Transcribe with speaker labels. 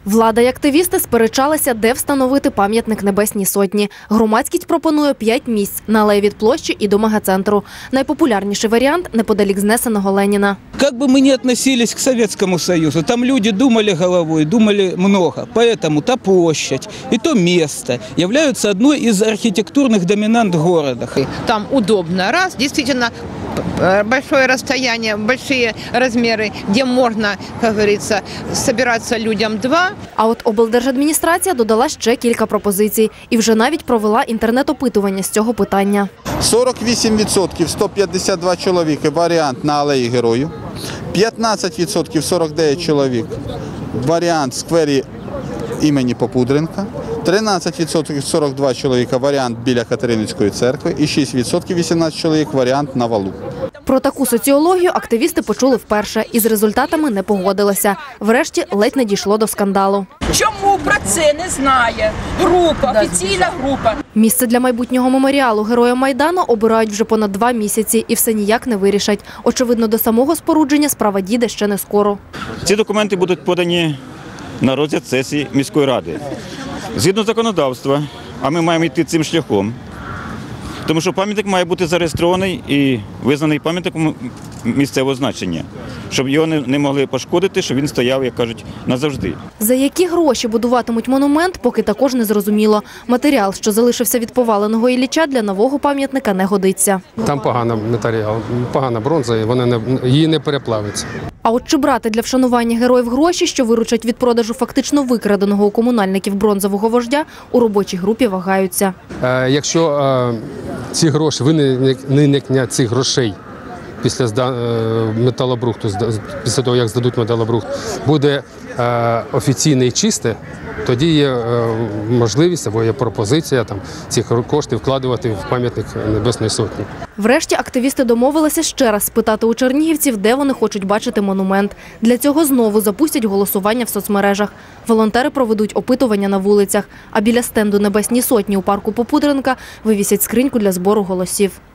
Speaker 1: Влада і активісти сперечалися, де встановити пам'ятник Небесній Сотні. Громадськість пропонує 5 місць на алеї від площі і до мегацентру. Найпопулярніший варіант – неподалік знесеного Леніна.
Speaker 2: Как бы мы ни относились к Советскому Союзу, там люди думали головой, думали много. Поэтому та площадь и то место являются одной из архитектурных доминант города.
Speaker 3: Там удобно. Раз, действительно, большое расстояние, большие размеры, где можно, как говорится, собираться людям. Два.
Speaker 1: А от облдержадміністрація додала ще кілька пропозицій і вже навіть провела інтернет-опитування з цього питання.
Speaker 4: 48% – 152 чоловіки – варіант на алеї Героїв, 15% – 49 чоловік – варіант в сквері імені Попудренка, 13% – 42 чоловіка – варіант біля Катерининської церкви і 6% – 18 чоловік – варіант на валу.
Speaker 1: Про таку соціологію активісти почули вперше і з результатами не погодилися. Врешті ледь не дійшло до скандалу.
Speaker 5: Чому про це не знає група, офіційна група?
Speaker 1: Місце для майбутнього меморіалу Героям Майдану обирають вже понад 2 місяці і все ніяк не вирішать. Очевидно, до самого спорудження справа дійде ще не скоро.
Speaker 6: Ці документи будуть подані на розгляд сесії міської ради. Згідно законодавства, а ми маємо йти цим шляхом, тому що пам'ятник має бути зареєстрований і визнаний пам'ятником місцевого значення, щоб його не могли пошкодити, щоб він стояв, як кажуть, назавжди.
Speaker 1: За які гроші будуватимуть монумент, поки також не зрозуміло. Матеріал, що залишився від поваленого Ілліча, для нового пам'ятника не годиться.
Speaker 7: Там поганий матеріал, погана бронза, і її не переплавиться.
Speaker 1: А от чи брати для вшанування героїв гроші, що виручать від продажу фактично викраденого у комунальників бронзового вождя, у робочій групі вагаються.
Speaker 7: Якщо ці гроші, виникнення цих грошей після металобрухту, після того, як здадуть металобрухт, буде офіційне і чисте, тоді є можливість або є пропозиція ці кошти вкладувати в пам'ятник Небесної Сотні.
Speaker 1: Врешті активісти домовилися ще раз спитати у чернігівців, де вони хочуть бачити монумент. Для цього знову запустять голосування в соцмережах. Волонтери проведуть опитування на вулицях, а біля стенду Небесній Сотні у парку Попудренка вивісять скриньку для збору голосів.